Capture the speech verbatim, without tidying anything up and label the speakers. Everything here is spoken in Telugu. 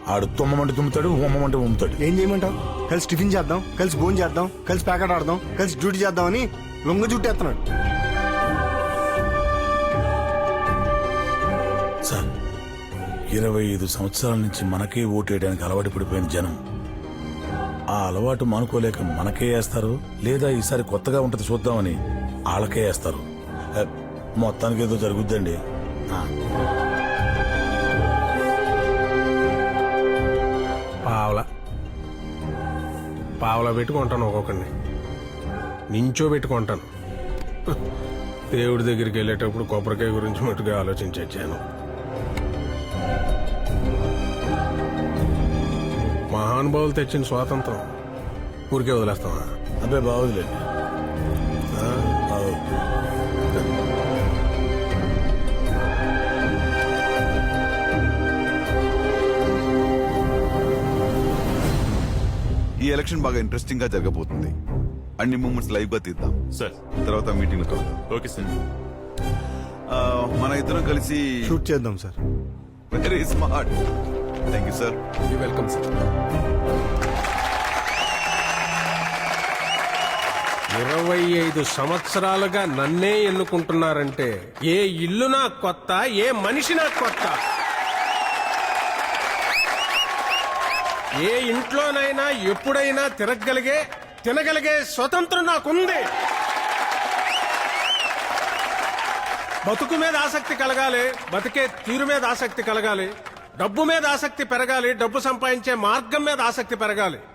Speaker 1: ఆడు తుమ్మమంటే తుమ్ముతాడు, ఉమ్మమంటే ఉమ్ముతాడు.
Speaker 2: ఏం చేయమంటావు? కలిసి టిఫిన్ చేద్దాం, కలిసి భోజనం చేద్దాం, కలిసి ప్యాకెట్ ఆడదాం, కలిసి డ్యూటీ చేద్దామని లొంగ చుట్టేస్తున్నాడు.
Speaker 1: సార్, ఇరవై ఐదు సంవత్సరాల నుంచి మనకే ఓటేయడానికి అలవాటు పడిపోయిన జనం ఆ అలవాటు మానుకోలేక మనకే వేస్తారు, లేదా ఈసారి కొత్తగా ఉంటది చూద్దామని వాళ్ళకే వేస్తారు. హ, మొత్తానికి ఏదో జరుగుద్దండి. ఆ.
Speaker 3: పావలా పావలా పెట్టుకుంటాను ఒక్కొక్కడిని, నించో పెట్టుకుంటాను. దేవుడి దగ్గరికి వెళ్ళేటప్పుడు కొబ్బరికాయ గురించి మట్టుగా ఆలోచించి వచ్చాను. మహానుభావులు తెచ్చిన స్వాతంత్రం ఊరికే వదిలేస్తావా?
Speaker 1: అబ్బాయి బాగోదులేండి. ఆ, బాగోదు.
Speaker 4: ఈ ఎలక్షన్ బాగా ఇంట్రెస్టింగ్ గా జరగబోతుంది. అన్ని మూమెంట్స్ లైవ్ గా తీద్దాం
Speaker 5: సార్.
Speaker 4: తర్వాత మీటింగ్ లో కలుద్దాం.
Speaker 5: Okay sir.
Speaker 4: ఆ, మన ఇద్దరం కలిసి
Speaker 2: షూట్ చేద్దాం sir.
Speaker 4: Very smart. Thank you sir.
Speaker 3: Welcome sir. ఇరవై ఐదు సంవత్సరాలుగా నన్నే ఎన్నుకుంటున్నారంటే ఏ ఇల్లు నాకు కొత్త, ఏ మనిషి నాకు కొత్త. ఏ ఇంట్లోనైనా ఎప్పుడైనా తిరగగలిగే తినగలిగే స్వతంత్రం నాకుంది. బతుకు మీద ఆసక్తి కలగాలి, బతికే తీరు మీద ఆసక్తి కలగాలి, డబ్బు మీద ఆసక్తి పెరగాలి, డబ్బు సంపాదించే మార్గం మీద ఆసక్తి పెరగాలి.